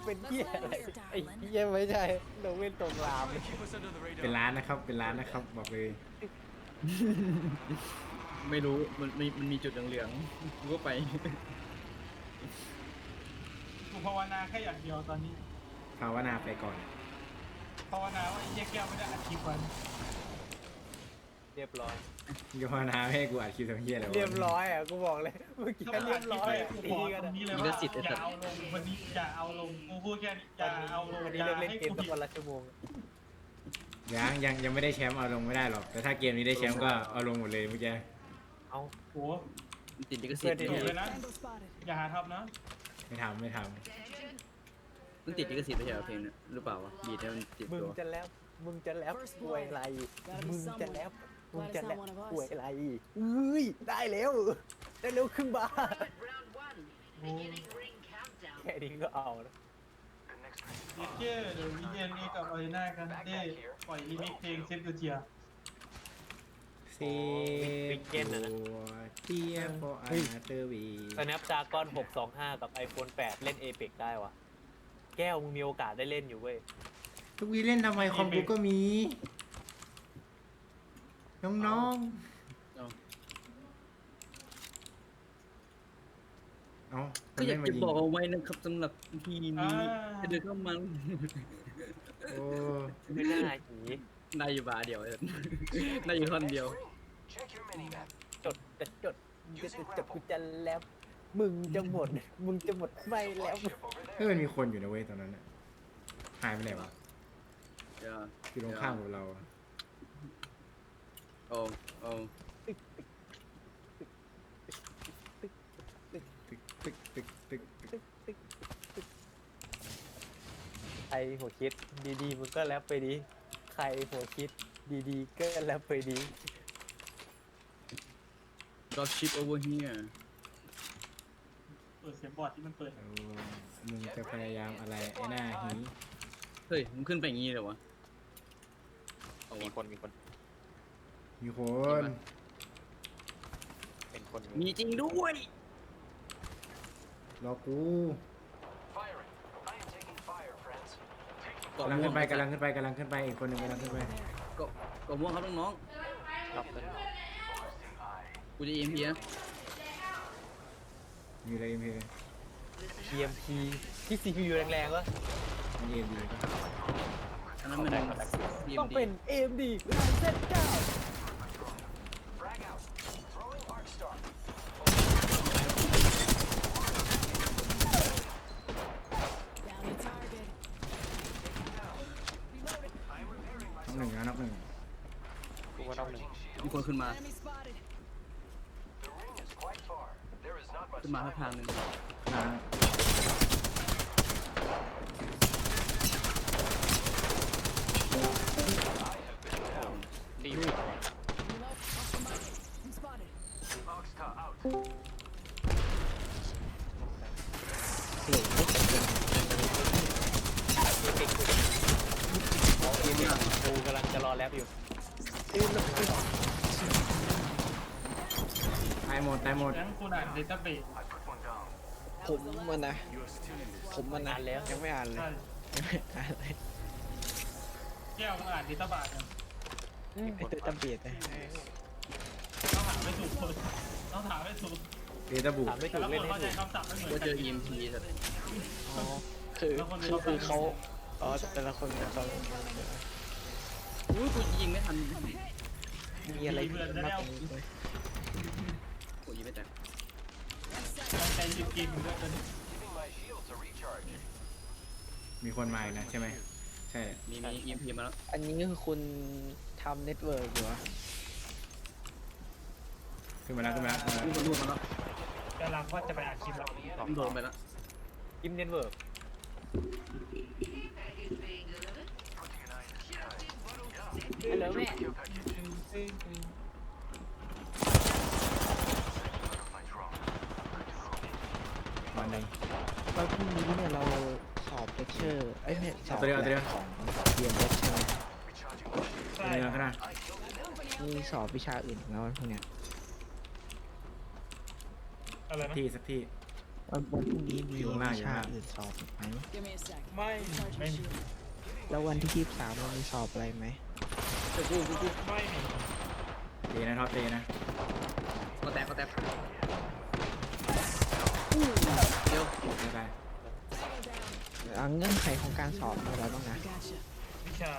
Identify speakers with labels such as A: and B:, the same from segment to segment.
A: เป็นเหี้ยอะไรไอ้เหี้ยไม่ใช่โนเวนตรงราม
B: เป็นร้านนะครับเป็นร้านนะครับบอกเลย
C: ไม่รู้มันมีจุดเหลืองๆกูก็ไป
D: กูภาวนาแค่อย่างเดียวตอนนี้
B: ภาวนาไปก่อน
D: ภาวนาว่าไอ้เหี้ยแก้วไม่ได้อัดคลิปไว้
A: เรียบร้อย
B: ภาวนาไม่ให้กูอัดคลิปทำเหี้ยอะไรวะ
A: เรียบร้อยอ่ะกูบอกเลยเมื่อกี้
D: ถ้า
A: เรียบร้อย
D: กู
A: ตี
D: บอก
A: กัน
D: ตรงนี้เลยว่าอย่าเอาลงวันนี้อย่าเอาลงกูพูดแค่นี้อย่าเอาลง
A: วันนี้
D: อย่า
A: เลิกเล่น
D: ให้
A: เกม
D: กู
A: สักวันละชั่วโมง
B: ยังไม่ได้แชมป์เอาลงไม่ได้หรอกแต่ถ้าเกมนี้ได้แชมป์ก็เอาลงหมดเลยเมื่อกี้
A: เอา
D: โอ้
C: มันติดลิขสิทธิ์
D: ถูกเลยนะอย่าหาทำนะ
B: ไม่ทำ
C: มันติดลิขสิทธิ์ไม่ใช่เหรอเพลงเนี่ยหรือเปล่าวะบีทเนี่ยมันติด
A: มึง
C: ตัว
A: จะแล้วป่วยอะไรมึงจะแล้วป่วยอะไรอุ้ยได้แล้วขึ้นมาแค่นี้ก็เอาแล้ว
D: เจ๊เดี๋ยววิเดียนนี้กับอารีนากันได้ปล่อยรีมิกเพลงเซฟตัวเจีย
B: เซตัวเทียโฟอาร์เตอร์วี
A: Snapdragon 625 กับ iPhone 8 เล่น Apex ได้วะแก้วมึงมีโอกาสได้เล่นอยู่เว้ย
B: ทุกวีเล่นทำไมคอมกูก็มีน้อง
C: เอา
B: เอ้า
C: ก็อยากจะบอกเอาไว้นะครับสำหรับทีนี้จะเดินเข้ามา
B: โอ้
A: ไม่น่าหี
C: ได้อยู่บาร์เดียวเลยได้อยู่ท่อนเดียว
A: จดกูจะแล้ว มึงจะหมดไม่แล้ว
B: เฮ้ยมันมีคนอยู่นะเว้ยตอนนั้นน่ะหายไปไหนวะ
C: เดี๋ยว
B: อยู่ตรงข้ามกับเราอะ
C: โอ้โอ้
B: ตึก
A: ใครหัวคิดดีๆมึงก็แรปไปดีใครหัวคิดดีๆก็แรปไปดี
C: drop ship over here
D: เปิดเสียงบอร์ดที่มันเปิด
B: เอามึงจะพยายามอะไรไอ้หน้าหี
C: เฮ้ยมึงขึ้นไปอย่างงี้เลยวะเอา
E: มี
C: วะ
E: คนมีคน
B: มีคน
E: เป็นคน
C: มีจริงด้วย
B: รอกู
C: เกาะ
B: กำลัง
C: ม่ว
B: ขึ้
C: ง
B: นไปอีกคนหนึ่งกำลังขึ้นไป
C: เกาะม่วงครับน้อง
E: รับเลย
C: ๆกูจะ EMP นะ
B: มีอะไรมี
A: EMP ที่ CPU แรงๆวะ
B: มีเอ็มดี
C: อันนั้นมัน
A: ต้อง
C: EMD
A: เป็น AMD Ryzen
B: น็อกหนึ่ง
E: กูว่าต้องหนึ่ง
C: มีคนขึ้นมาขึ้นมาทางหนึ่ง
B: นะ
E: รีบ
A: กูกำลังจะรอแรปอยู่
B: ตายหมด
D: งั้นคุณอ่านเดต้าเบส
E: ผมมันนะ
A: นานแล้ว
E: ยังไม่อ่านเลย
D: ใช่
E: ยังไม่อ่านเลย
D: แก้วมึงอ่านเดต้าบาสกัน
E: ไอ้ตัวจำเบียดนะ
D: ต้องถามไม่ถูกคนต้องถามไม่ถูก
B: เดต้าบุ
A: ถามไม่
D: แต่
A: ถูก
D: ละค
A: เล่น
D: น
A: ให้
D: เข้าใจ
A: ถูก
D: คำศัพท์ไม่เหมือน
C: ว่า
D: กั
C: เจอ EMP สัตว์
E: อ๋อคือเขาอ๋อแต่ละคนเขา
C: อุ้ยกูยิงไม่ทัน
E: มีอะไรมากกว่านี้เลย
C: กูยิงไม่แตก
D: ใจหยุดกินด้วยกัน
B: มีคนมาอีกนะใช่ไหมใช่
C: มี EMP มาแล้ว
E: อันนี้คือคุณทำเน็ตเวิร์กอยู่เหรอ
B: ขึ้นมาแล้ว
C: มีคนรูดมาแล้ว
D: กำลังว่าจะไปอ่านคลิปแล้ว
C: โดนไปแล้ว
A: กิมเน็ตเวิร์ก ฮัลโหลแม่
B: วันหนึ่ง
E: แล้วพรุ่งนี้เนี่ยเราสอบเลคเชอร์ไอ้เนี่ยสอบ
B: เอาตัวเดียว
E: ของเรียนเลคเชอร์
D: ใช่
B: เนื้อขนาด
E: มีสอบวิชาอื่นอีกแล้ววันพรุ่งเนี้ย
D: อะไรนะ
B: สักที่
E: ผวันพรุ่งนี้มี
B: อยู่ข้างล่าง
E: วิชาอื่นสอบไหม
F: Give me a sec.
D: ไม่
F: Recharge
D: ไม่
F: my
D: มี
F: shield.
E: แล้ววันที่23เรามีสอบอะไรไหม
D: ไม่มี
B: เจนะท็อปเจนะ
C: ก็แตกเดี๋ยว
B: ไม่ได้
E: เงื่อนไขของการสอบมีอะไรบ้างนะ
F: Gotcha.
D: วิชา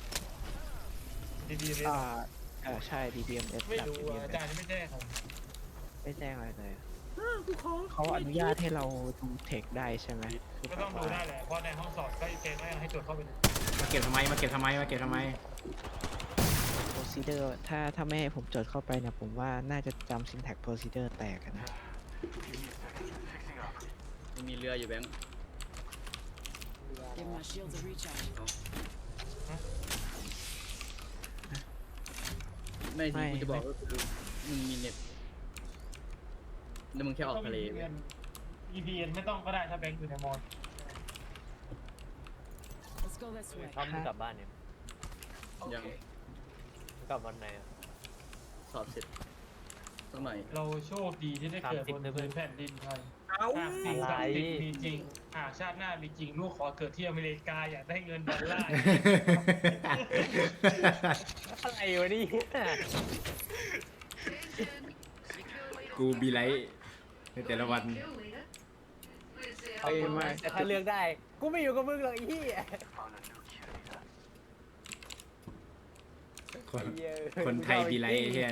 D: ดีๆเลย
E: ใช่ DBMS
D: ไม่
E: กับ
D: รู้อ่ะอา
E: DBMS
D: จารย์ไม่แจ้งผม
E: ไม่แจ้งอะไรเลยเขาอนุญาตให้เราดูเทคได้ใช่ไหมคือ
D: ก็
E: แบ
D: ต้อง
E: บ
D: ดู
E: ว่า
D: ได้แหละเพราะในห้องสอบก็เกณฑ์ให้ตรวจเข้าไปดู
B: มาเก็บทำไมมาเก็บทำไมมาเก็บทำไม
E: procedure ถ้าไม่ให้ผมจดเข้าไปเนี่ยผมว่าน่าจะจำ syntax procedure แตกอะนะ
C: มีเรืออยู่แบงค์
F: Give my shields a recharge.
C: ไม่ที่กูจะบอกก็คือมึงมีเน็ตแล้วมึงแค่ออกทะเล
D: EVN ไม่ต้องก็ได้ถ้าแบงค์อยู่ในมอญ
F: Let's go this way.
A: ถ้ามึงกลับบ้านเนี่ย
C: ยัง
A: มึงกลับวันไหนอ่ะ
C: สอบเสร็จสักหน่อย
D: เราโชคดีที่ได้เกิดบนพื้นแผ่นดินไทย หากสิ่งศักดิ์สิทธิ์มีจริงหากชาติหน้ามีจริงลูกขอเกิดที่อเมริกาอยากได้เงินดอลลาร์
A: อะไรวะนี่
B: กูบีไลท์ในแต่ละวัน
A: แต่ถ้าเลือกได้ กูไม่อยู่กับมึงหรอกไอ้เหี้ย
B: คน
A: ไอ้เหี้ย
B: คนไทยบีไลท์ไอ้เฮีย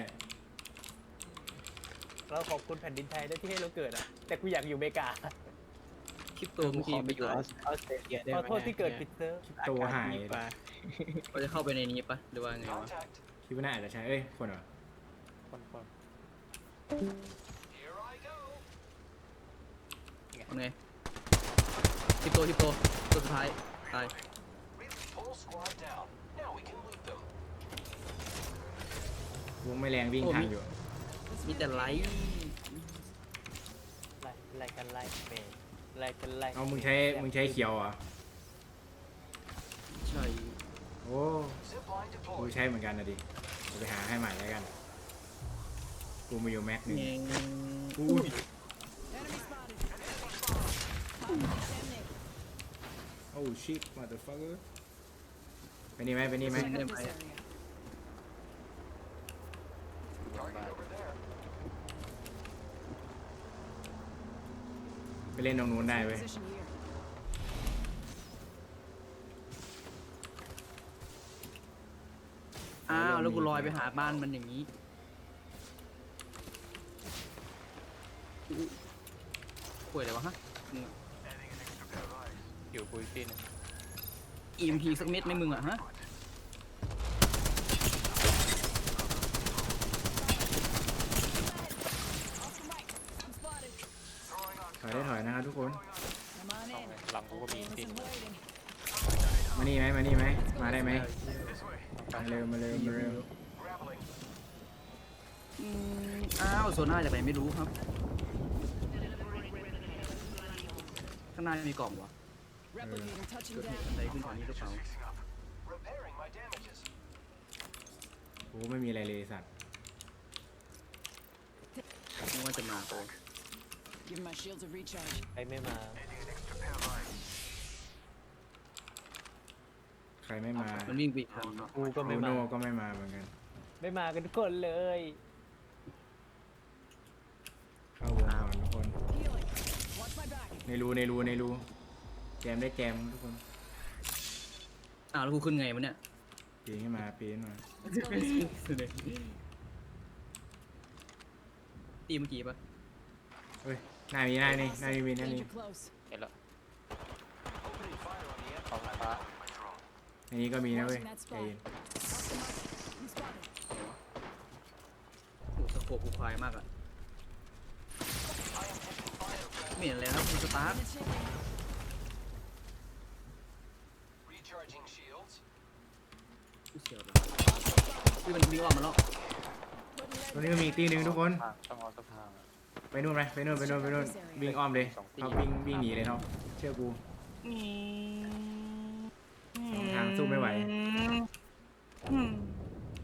A: เราขอบคุณแผ่นดินไทยด้วยที่ให้เราเกิดอ่ะ แต่กูอยากอยู่อเมริกา
C: คริปโตเมื่อกี้
E: ไป
C: ไม่
E: อยู่
C: ตาย
E: ออสเตรเลียได้
A: ข
E: ไห
A: อ
E: ม
A: โทษที่เกิดผิดเซิร์ฟ
B: โตหาย
E: ดีกว่า
C: เขาจะเข้าไปในนี้ปะหรือว่าไงวะ
B: คิดว่าน่าอาจจะใช่เอ้ยคนเหรอ
C: เอาไงคริปโตตัวสุดท้ายตายว
B: งไม่แรงวิ่งทางอยู่
C: มีแต่ไลท์
A: ไล่กันไล่เมย์ไล่กันไล่
B: เอามึงใช้เขียวเหรอ
C: ใช่
B: โอ้กูใช้เหมือนกันนะดิกูไปหาให้ใหม่แล้วกัน กูมาอยู่แม็กหนึ่ง
C: เอง
B: อุ้ย
F: Enemy spotted. Damn it.
B: โอ้ชิคมาเตอร์ฟักเกอร์ไปนี่ไหมไปนี่ไหม
F: Check out this area.
B: ไปเล่นตรงนู้นได้เว้ย
F: Position here.
C: อ้าวแล้วกูลอยไปหาบ้านมันอย่างนี้ป่วยอะไรวะฮะ
A: อยู่กูอีกทีนึง
C: EMP สักเม็ดไหมมึงอะฮะ
B: ถอยได้ถอยนะครับทุกคน
F: Come on in.
A: หลังกูก็มี
F: Listen, waiting.
B: มานี่ไหมมานี่ไหมมาได้ไหมมาเร็วมาเร็วมาเร็ว
C: อ้าวโซน่าจากไหนไม่รู้ครับ ข้างหน้ามีกล่องวะ
F: Replicator touching
C: เกิดเห
F: down.
C: ตุอะไรขึ้นตอนนี้หรือเปล่า
B: โอ้ไม่มีอะไรเลยสัตว์
C: นึกว่าจะมาโอ้
F: Give my shields a recharge.
A: ใครไม่มา
B: ใครไม่มา
C: มันวิ่งไปอีกทาง
A: กูก็
B: บ
A: ไม่
B: รู
A: มา
B: โน่ก็ไม่มาเหมือนกัน
A: ไม่มากันทุกคนเลย
B: เข้าวงก่อนทุกคน
F: Healing. Watch my back.
B: ในรูแจมได้แจมทุกคน
C: อ้าวแล้วกูขึ้นไงวะเนี่ย
B: ปีนขึ้นมาปีนขึ้นมา
F: Let's go this way.
C: ตีเมื่อกี้ปะ
B: เฮ้ยหน้ามีหน้านี่หน้ามีหน้านี่
F: Danger close.
A: เห็นแล้วของฟ้า
B: ในนี้ก็มีนะเว้ยใจเย็น
F: Off the mark. I'm spotted.
C: โอ้สโคปกูควายมากอะไม่เห็นอะไรครับคุณสตาร์ท
F: Minutes in.
C: กูเสียวเลยคือมันวิ่งออกมาแล้ว
B: ตรงนี้ก็มีอีกตีหนึ่งทุกคน
A: ต้องเอาสะพาน
B: ไปนู่นไปนู่นวิ่งอ้อมเลยเขาวิ่งหนีเลยเนาะเชื่อกูทางสู้ไม่ไหว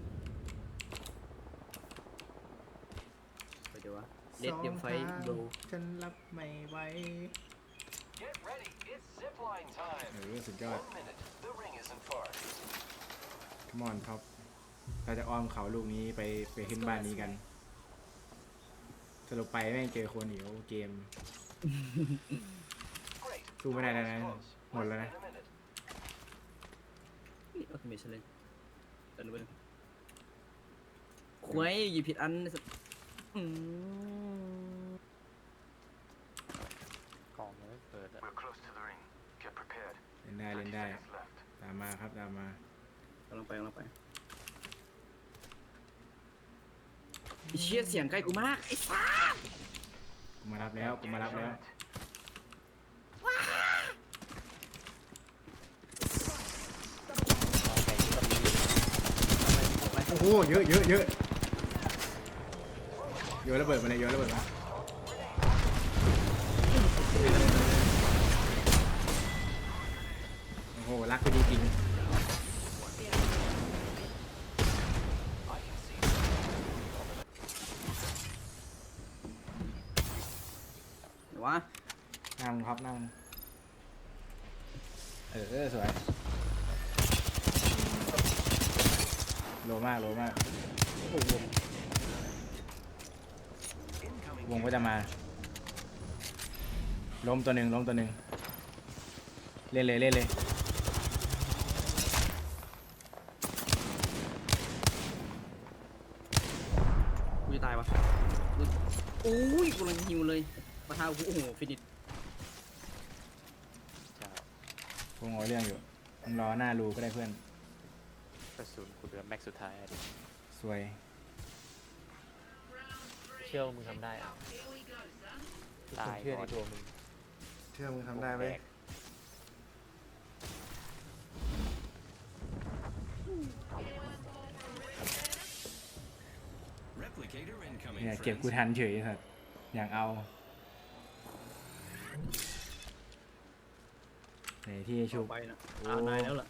C: ไปเดี๋ยววะเลดเตรียมไฟโด
B: ฉันรับไม่ไหว
G: Get ready, it's zipline time.
B: สุดยอด
G: 1 minute, the ring isn't far.
B: มอนท็อปเราจะอ้อมเขาลูกนี้ไปขึ้นบ้านนี้กันสรุปไปแม่งเจอคนอีกโอ้เกม
G: Great.
B: สู้ไม่ได้แล้วนะ
G: Close.
B: หมดแล้วนะ
G: In a minute.
C: นี่ออโตเมชันเลยเดินไปเลยควยหยิบผิดอันอืม
E: กล่องยังไม่เปิดอะ
G: We're close to the ring. Get prepared.
B: เล่นได้เล่นได้
G: Seconds left.
B: ตามมาครับตามมาก
C: ำลังไปไอ้เชี่ยเสียงใกล้กูมากไอ้ฟ้า
B: กูมารับแล้วกูมารับแล้ว โอ้โหเยอะเยอะเยอะโยนระเบิดมาเลยโยนระเบิดมาโอ้โหรักกูดีจริง
C: เดี๋ยววะ
B: นั่งครับนั่งสวยโลมากโลมากวงก็จะมาล้มตัวหนึ่งเล่นเลย
C: กูจะตายวะโอ้ยกูกำลังหิวเลยมาท้ากูโอ้โหฟินิช
E: จะ
B: วงเอาเรื่องอยู่มึงรอหน้ารูก็ได้เพื่อน
E: กระสุนกูเหลือแม็กสุดท้ายอะดิ
B: สวย
E: เชื่อว่ามึงทำได้อะตาย
A: เชื่อใน
E: ก่อน
A: ตัวมึง
B: เชื่อมึงทำได้ไหม เนี่ยเก็บกูทันเฉยสัตว์อยากเอาไหนที่ชุบ
C: ไปนะนายแล้วล่ะ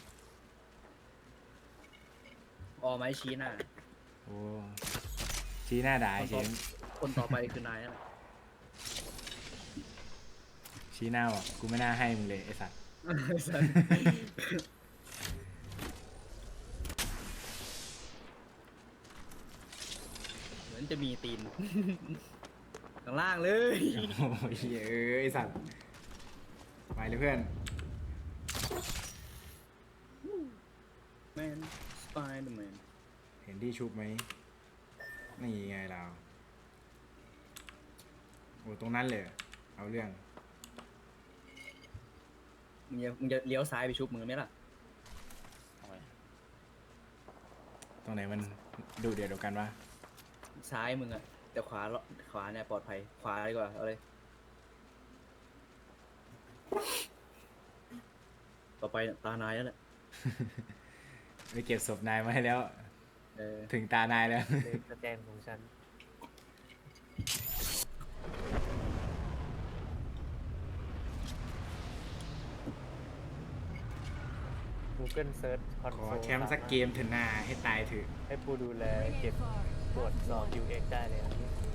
C: ออไม้ชี้หน้า
B: โอ้ชี้หน้าด่าเฉย
C: คนต่อไปคือนายนั่นแหละ
B: ชี้หน้าบอกกูไม่น่าให้มึงเลยไอ้สัตว์
C: เหมือนจะมีตีน ข้างล่างเลย
B: โอ้ยไอ้สัตว์ไปเลยเพื่อน
C: แมนสไปเดอร์แมน
B: เห็นที่ชุบไหมนี่ไงเราโอ้ตรงนั้นเลยเอาเรื่อง
C: มึงจะเลี้ยวซ้ายไปชุบมือไหมล่ะ
E: ทำไม
B: ตรงไหนมันดูเดือดกว่ากันวะ
C: ซ้ายมึงอะแต่ขวาเนี่ยปลอดภัยขวาดีกว่าเอาเลยต่อไปตานายแล้วแหละ
B: ไปเก็บศพนายมาให้แล้ว
C: เออ
B: ถึงตานายแล้ว
E: เลนสแตนของฉัน Google Search
B: ขอ
E: Console
B: แคมป์สักเกมเถอะนาให้ตายเถอะ
E: ให้ผู้ดูแลเก็บตรวจสอบ UX ได้เลยนะ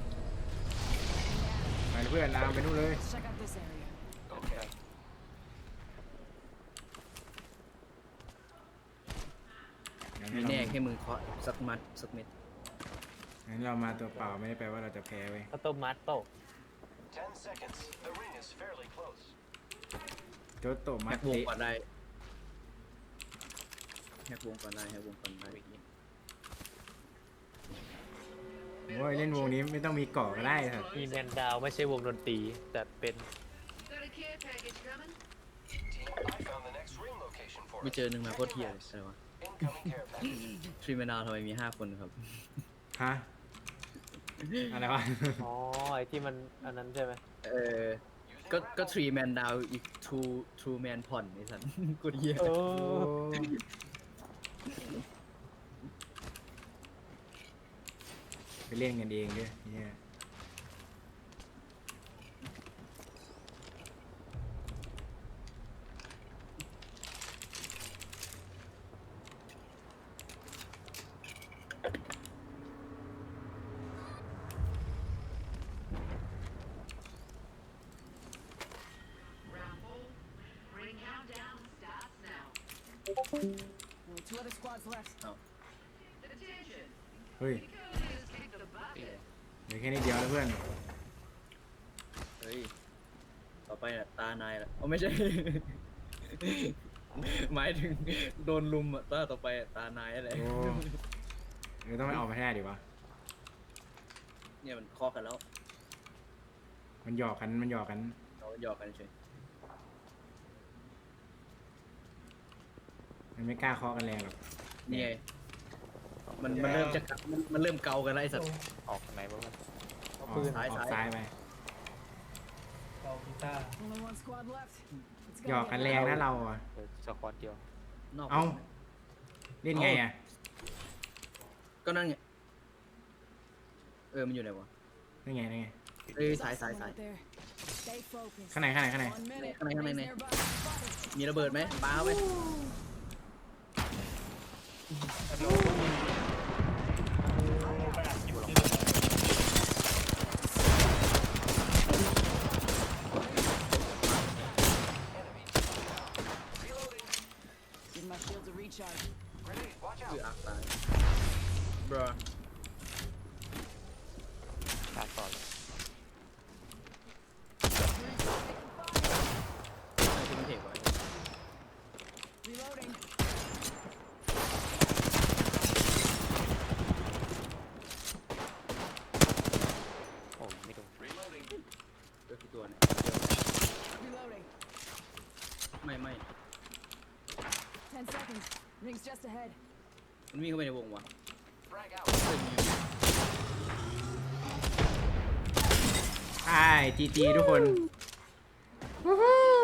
B: ไปเลยเพื่อนลามไปนู่นเลย
F: Let's check out this area.
G: Okay.
B: งั้น
C: มี
B: เรา
C: แน่แค่มึงเคาะสักมัดสักเม็ด
B: งั้นเรามาตัวเปล่าไม่ได้แปลว่าเราจะแพ้เว้ย
E: ข้าวต้มมัดโตะ
G: 10 seconds. The ring is fairly close.
B: โจโตมั
C: แฮ
B: ด
C: กวง
B: เตะ
C: ก่อนได้แฮกวงก่อนได้
B: โอ้ยเล่นวงนี้ไม่ต้องมีเกาะก็ได้ครับ
E: มีแมนดาวไม่ใช่วงดนตรี แต่เป็น
G: Team, I found the next ring location for
C: ไม่
G: us.
C: เจอหนึ่งมาโคตรเทียเลยอะไรวะ
G: Incoming care package.
C: ทรีเมนาทำไมมี5 คนครับ
B: ฮะอะไรวะ
E: อ๋อ ไอที่มันอันนั้นใช่ไหม
C: เออ ก็ทรีแมนดาวอีกทูแมนผ่อนไอ้สัน กูเทีย
E: โอ้
B: ไปเล่นกันเองด้วยเนี่ย
F: Only 2 other squads left.
B: เฮ้ยเหลือแค่นิดเดียวแล้วเพื่อน
C: เฮ้ยต่อไปน่ะตานายละอ๋อไม่ใช่ หมายถึงโดนลุมอ่ะต่อไปอะตานายอะไร
B: โอ้เดี๋ยวต้องไปออกมาให้ได้ดิวะ
C: เนี่ยมันเคาะกันแล้ว
B: มันหยอกกันมันหยอกกัน
C: เราหยอกกันเฉย
B: มันไม่กล้าเคาะกันแรงหรอก
C: นี่ไงมันเริ่มจะมันเริ่มเกากันแล้วไอ้สัตว์
E: ออกไหนบ้าง
B: ออก
A: ปืน
C: ซ้าย
B: ออกซ้ายไป
D: เรากีตาร์
F: Only 1 squad left. It's
B: หยอก
F: gonna
B: กัน
F: get
B: แรงนะเราอะ
E: สควอตเดียวน
C: อก
B: เอ้า เล่นไงอะ
C: ก็นั่นไงมันอยู่ไหนวะ
B: นี่ไงนี่ไง
C: เอ้ย
F: There's
C: สาย
F: someone
C: สาย
F: out there. Stay focused.
B: ข้างในข้างในข้างใน
F: 1 minute.
C: Come on,
F: Enemies
C: come on.
F: nearby. Spotted.
C: มีระเบิดไหมปาเข้าไป
D: ฮัลโหลไปอัดคลิปที่
F: Give my shields a recharge.
G: Grenade, watch
C: คือ
G: out.
C: อักตายบรอ
E: ชาร์จก่อนเลย
C: ใช่ที่มันเทกไว้
F: Reloading.
E: โอ้ยไม่โดน
G: Reloading.
C: ก็คือตัวเนี่ย
F: Reloading.
C: ไม่
F: 10 seconds. Ring's just ahead.
C: มันวิ่งเข้าไปในวงวะ
G: Frag out.
B: ใช่จีจีทุกคนวู้ฮู้